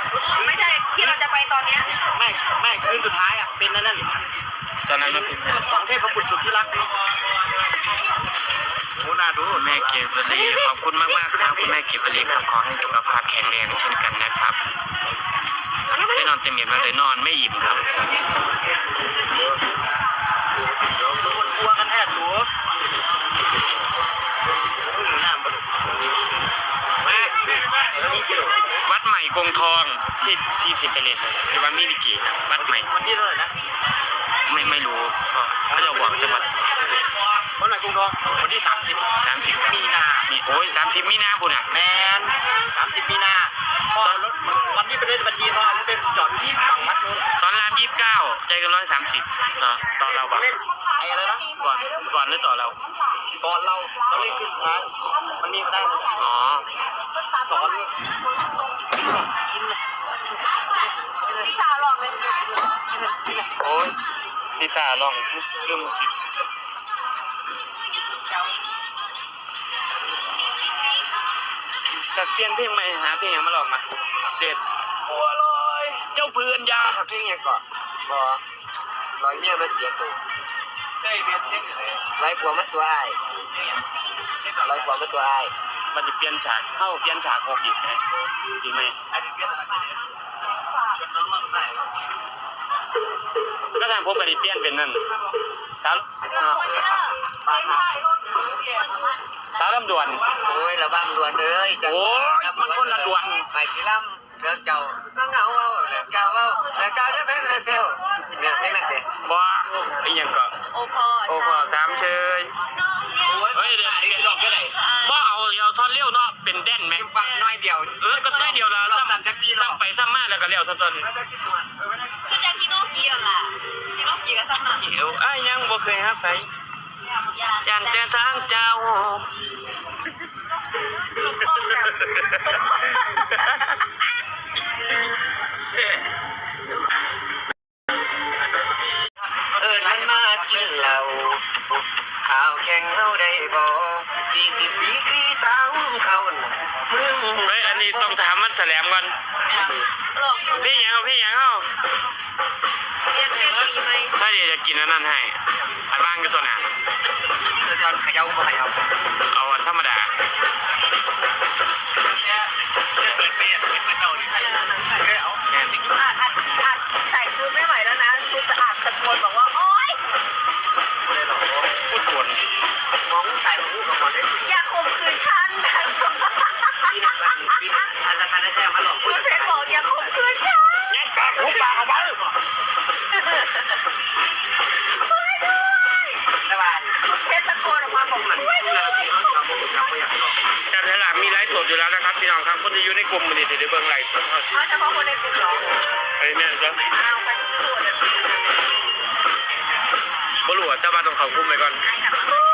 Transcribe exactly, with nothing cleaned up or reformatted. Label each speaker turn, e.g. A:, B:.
A: ไม่ใช่ที่เราจะไปตอนเนี้ย
B: ไม่ไม่คืนสุดท้ายอ่ะเป็นนั่นนั่น
C: ตอนนั้นมันเป็น
B: ของเทพบุตรสุดที่รักโอ้น่าดู
C: แม่เก็บวลีขอบคุณมากมากครับคุณแม่เก็บวลีครับขอให้สุขภาพแข็งแรงเช่นกันนะครับได้นอนเต็มอิ่มมาเลยนอนไม่อิ่มครับ
B: คนกลัวกันแท้หนู
C: วัดใหม่กงทองที่ที่สิบไปเลยที่วัดมินิกิวัดใหม่
B: วันที่เท่าไหร่นะ
C: ไม่ไม่รู้เขาจะบอกจังหวัด
B: วันไหนกรุงทองวันที่สามสิบ
C: สามสิบ
B: มีนา
C: มีโอ้ยสามสิบมีนาบุญอ่ะ
B: แมนสามสิบมีนาพอรถวันที่ไปด้วยบัญชีเขาเอารถไปจอดที่ฝั่งวัดนู้น
C: สอนรามยี่สิบเก้าใจกันร้อยสามสิบเนาะต่อเราบ้าง
B: ไอ้อะไรนะ
C: ก่อนก่อนหรือต่อเรา
B: ก่อนเราเราเล่นขึ้นท้ายมันมีมาได้
C: อ๋อ
B: สอน
A: ที่สาวหลอกเลย
C: โอ้ยที่สาวลองเรื่องสิจะเปลี่ยนเพลงใหม่หาเพลงยังมาลองมาเด็ดบัวลอยเจ้าเพื่อนยา
B: เพลงยังก่อนบอลอยเมียมาเสียตัวเฮ้ยเปลี่ยนเพลงอะไรลอยผัวมาตัวไอ้ลอยผัวมาตัวไอ้
C: มันจะเปลี่ยนฉากเข้าเปลี่ยนฉากหกอีกไหมดีไหมก็ทางพวกกระดิ่งเปลี่ยนเป็นนั่นสาวสาวลำดวน
B: โอ้ยระวังดวนเลย
C: โอ้ยมันคนละดวน
B: ไปที่ลำเรื่องเจ้าเรื่องเงาเอาเรื่องเก่าเอาเรื่องเก่าเรื่องเรื่องเก่าเนี่ยไม่นั่นเด้
C: บ้าไอ้ยังก็
A: โอพอ
C: โอพอตามเชย
B: เฮ้ยเดี๋ยวเดี๋ยวดอกก็ไหน
C: บ้าเอาเอาท่อนเลี้ยวเนาะเป็นแดนไหม
B: ปักน้อยเดียว
C: เออก็น้อยเดียวละซ้ำซ้ำไปซ้ำมาแล้วก็เลี้ยวซ้ำซ้ำ
A: พี่แจ็คพี่โนกี้นั่นแหละพี่โนกี้ก็ซ้ำหนัก
C: เอวอ้ยังบ่เคยฮับไปยันแต่ทางเจ้า
B: เออมันมากินเหล้าข้าวแข่งเขาได้บ่สี่สิบปีกีตาหุ้มเขา
C: เฮ้ยอันนี้ต้องถามมันแสลมก่อนพี่ยังเอาพี่ยังเอา
A: เรียนเพลงมีไหม
C: ถ้าเดี๋ยวจะกินอันนั้นให้อันบ้างก็ตัวหนา
B: จะจะขยับก็ขยับ
C: เอาธรรมดา
B: เปิดเปียกเปิดเตาดิเอา
A: อัดอัดอัดใส่ชุดไม่ไหวแล้วนะชุดสะอาดตะโกนบอกว่าโอ๊ย
C: ผู้ส่วน
B: มองใส่หูกับมันได้
A: อย่าข่มขืนฉัน
B: พี่นักการพี่นักการทการได้แท้มาหลอก
A: ชุดเพชรบอกอย่าข่มขืนฉัน
C: ยัดปากหูปากเอาไป
B: ตะวัน
A: เพชรตะโกนออกมาบอกช่วยด้วย
C: การตลาดมีไลฟ์สดอยู่แล้วนะครับพี่น้องครับคนที่อยู่ในกลุ่มมันนี่ถือได้เบื้องไลฟ์สด
A: เอาเฉพาะคนในกลุ่มหรอ
C: ไอ้เนี่ยก็
A: เอาไปที่ตัวเดี๋ยว
C: บลัวจะมาต้องเขากลุ่มไปก่อน